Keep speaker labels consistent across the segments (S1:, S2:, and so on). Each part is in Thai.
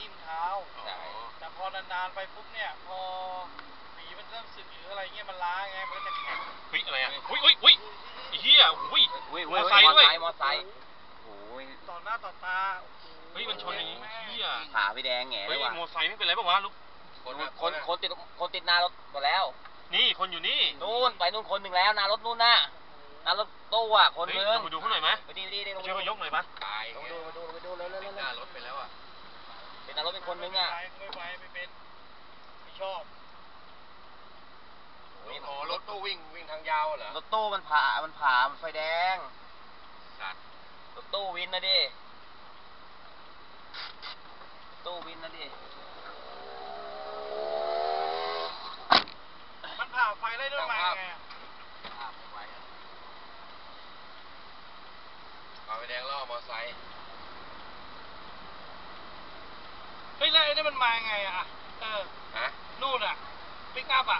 S1: ทิ่มเท้าแต่พอนานๆไปปุ๊บเนี่ยพอฝีมันเริ่มสึกหรืออะไรเงี้ยมันล้าไงมันก็จะแข็ง
S2: เฮ้ยอะไรอ่ะอุ้ยเฮียอุ้ยมอไซค์ด้วย
S3: มอไซค์โอ้ย
S1: ต่อหน้าต่อตา
S2: เฮ้ยมันชนอย่างนี้เฮีย
S3: ขาไปแดงแง่เลยว่ะ
S2: มอไซค์ไม่เป็นไรป่าวะลูก
S3: คนติดหน้ารถหมดแล้ว
S2: นี่คนอยู่นี่
S3: นู่นไปนู่นคนหนึ่งแล้วหน้ารถนู่นน่ะหน้ารถตู้อ่ะคนนึง
S2: ไปดูเขาหน่อยไหม
S3: ไปดี
S2: ช่วยเขายกหน่อยปะ
S3: ไปดูเลย
S4: หน้ารถไปแล้วอ่ะ
S3: เป็นหน้ารถเป็นคนนึงอ่ะ
S1: ไม่เป็นไม่ชอบ
S4: โอ้รถตู้วิ่งทางยาวเหรอ
S3: รถตู้มันผ่ามันไฟแดงรถตู้วินนะดิตู้วินนะดิ
S1: มันผ่าไฟได้ด้วยไหมไง
S4: ผ่าไฟแดงล่อมอไซค์
S1: เฮ้ยแล้วไอ้นี่มันมาไงอ่ะ
S4: ฮะ
S1: นู่นอ่ะปิกอัพอ่ะ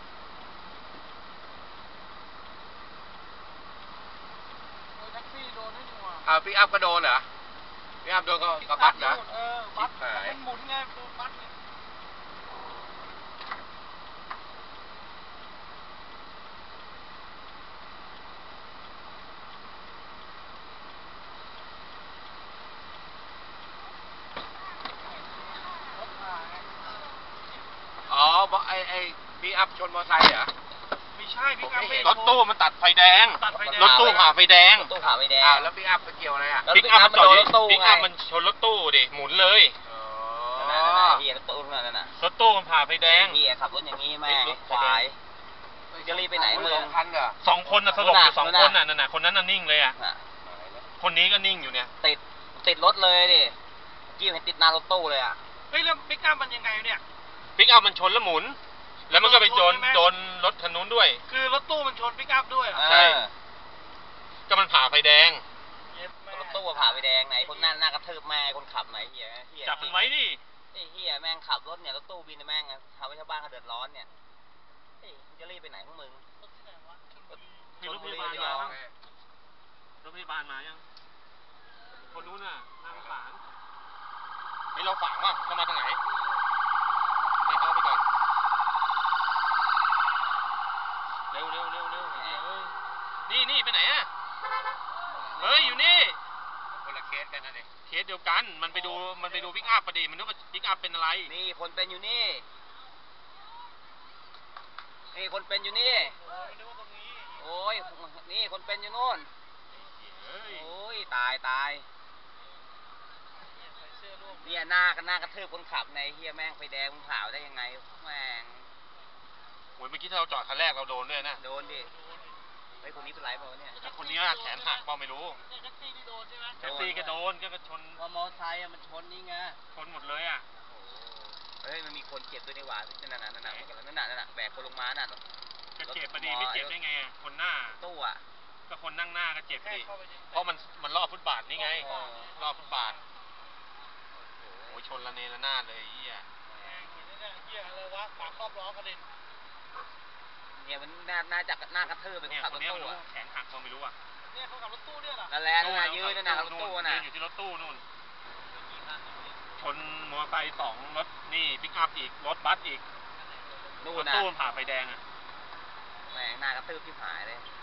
S1: แท็กซี่โดนให้ดูอ่ะ
S4: ปิกอัพก็โดนเหรอปิกอัพโดนก็บัสนะ
S1: บัสมันหมุนไงตัวบัสเนี่ย
S4: อ๋อไอ้ปิกอัพชนมอไซค์เหรอ
S1: ไม่ใช่พี่กั๊
S2: รถตู้มันตัดไฟแดงรถตู้ผ่าไฟแดง
S4: แล้วปิกอัพไปเกี่ยวอะไรอ่ะ
S2: ปิกอัพมันจอดปิกอัพมันชนรถตู้ดิหมุนเลย
S3: เฮียรถตู้นั่นน่ะ
S2: รถตู้มันผ่าไฟแดง
S3: เฮียขับรถอย่างนี้แม่ควายจะรีบไปไหนมึง
S2: 2 คนน่ะสลบอยู่2 คนน่ะนั่นน่ะคนนั้นน่ะนิ่งเลยอ่ะคนนี้ก็นิ่งอยู่เนี่ย
S3: ติดรถเลยดิกี้เห็นติดหน้ารถตู้เลยอ่ะ
S1: เฮ้ยแล้วปิกอัพมันยังไงเนี่ย
S2: ปิกอัพมันชนแล้วหมุนแล้วมันก็ไปโดนรถคันนู้นด้วย
S1: คือรถตู้มันชนปิกอัพด้วย
S2: ใช่ก็มันผ่าไฟแดง
S3: รถตู้ผ่าไฟแดงไหนคนนั่นหน้ากระทืบแม่คนขับไหนเฮีย
S2: จับมันไว้ดิ
S3: ไอ้เฮียแม่งขับรถเนี่ยรถตู้บินแม่งทำให้ชาวบ้านเขาเดือดร้อนเนี่ยจะรีบไปไหนพวกมึง
S2: มีรถพยาบาลมายังรถพยาบาลมายังคนนู้นน่ะนางฝางนี่เราฝางว่ะเข้ามาทางไหนให้เข้าไปก่อนเร็วนี่ไปไหนอ่ะเฮ้ยอยู่นี่
S4: คนละเคสกันนะเนี่ย
S2: เคสเดียวกันมันไปดูปิกอัพพอดีมันนึกว่าปิกอัพเป็นอะไร
S3: นี่คนเป็นอยู่นี่คนเป็นอยู่นี่โอ้ยนี่คนเป็นอยู่นู่นโอ้ยตายเนี่ยหน้ากระทืบคนขับในเฮียแม่งไฟแดงมึงผ่าได้ยังไงแม่ง
S2: โอ้ยเมื่อกี้ถ้าเราจอดคันแรกเราโดนด้วยนะ
S3: โดนดิไอ้คนนี้เป็นไรเปล่าเนี่ย
S2: คนนี้แขนหักเปล่าไม่รู้
S1: แท็กซี่ที่โดนใช่ไหม
S2: แท็กซี่ก็โดนก็ชน
S3: มอไซค์มันชนนี่ไง
S2: ชนหมดเลยอ่ะ
S3: เฮ้ยมันมีคนเจ็บด้วยนี่หว่านั่นแบกคนลงมาน่ะ
S2: จะเจ็บพอดีไม่เจ็บได้ไงคนหน้า
S3: ตู้อ่ะ
S2: ก็คนนั่งหน้าก็เจ็บดิเพราะมันรอบฟุตบาทนี่ไงรอบฟุตบาทโอ้ยชนละเนระนาดเลยเฮีย
S1: อะไรวะฝาครอบล้อกระเด็น
S3: เนี่ยมันน่าจะหน้ากระทืบเป็นขับรถตู้อ่ะ
S2: แขนหักเขาไม่รู้อ่ะ
S1: เนี่ยเขาขับรถตู้เนี่ย
S3: นั่นแหละยืนนั่นรถตู้น่ะ
S2: อยู่ที่รถตู้นู่นชนมอเตอร์ไซค์2 รถนี่ปิกอัพอีกรถบัสอีกรถตู้ผ่าไฟแดงอ่ะ
S3: แม่งหน้ากระทืบที่หายเลย